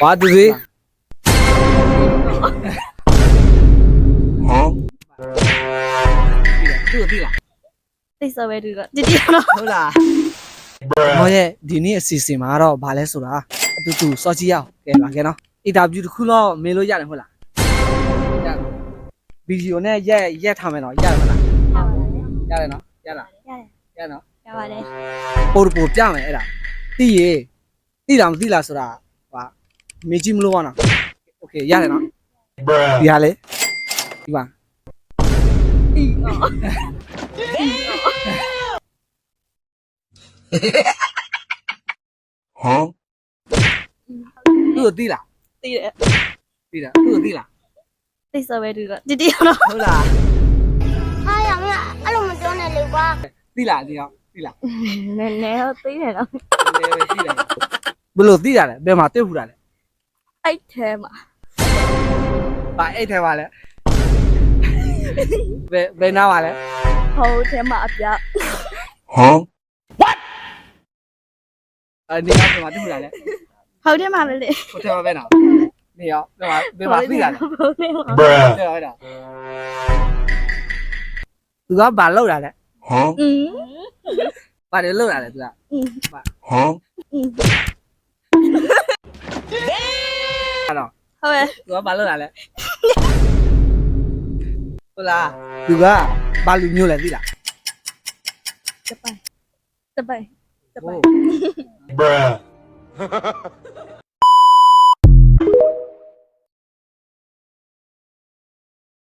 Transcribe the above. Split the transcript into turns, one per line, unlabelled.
ဘာသူသေးဟမ်သူ့သိလား
သိစောပဲတူတော့ဒီတော့
ဟုတ်လားဟောရဲ့ဒီနေ့အစီအစဉ်မှာတော့ဗာလဲဆိုတာအတူတူစောကြည့်ရအောင်ကဲပါကဲနော်အင်တာဗျူးတစ်ခုတော့မင်းလို့ရတယ်ဟုတ်လားရတယ်ဗီဒီယိုနဲ့ရက်ထားမယ်နော်ရတယ်မလားရတယ်နော်ရလားရနော်
ရပါတယ်
ပို့ပြမယ်အဲ့ဒါသိရသိလားမသိလားဆိုတာဟာမေးကြည့်မလို့ပါနော်โอเคရတယ်နော်ဒီဟာလေဒီပါ
ဒီ
ဟမ်သူ့သိလား
သိတယ်
သိလားသူ့သိလား
သိစောပဲတူတော့ဒီတော့
ဟုတ်လား
ဟာရမင်းအဲ့လိုမပြောနဲ့လေကွာ
သိလားဒီတော့သိလား
နည်းနည်းတော့သိတယ်တော့
သိတယ်ဘယ်လိုသိတာလဲဘယ်မှာတွေ့ဘူးတာလဲ
အဲ့ထဲမှာ
ဘာအဲ့ထဲပါလဲဘယ်နားပါလဲ
ဟိုထဲမှာအပြ
ဟမ် what နေရာဘယ်မှာတွေ့ဘူးတာလဲ
ဟိုထဲမှာပဲလေ
ဟိုထဲမှာပဲနော်နေရာဘယ်မှာသိတာလဲ
ဟုတ်တယ်
bruh ဟုတ်တာသူကဘာလောက်တာလဲဟမ်
อืม
ဘာတွေလောက်တာလဲသူက
อืม
ဟမ်
อืม
အဲ့တော့
ဟုတ်ရဲ့
သူကဘာလောက်တာလဲဟုတ်လားသူကဘာလူမျိုးလဲသိလား
တပိုင်
bruh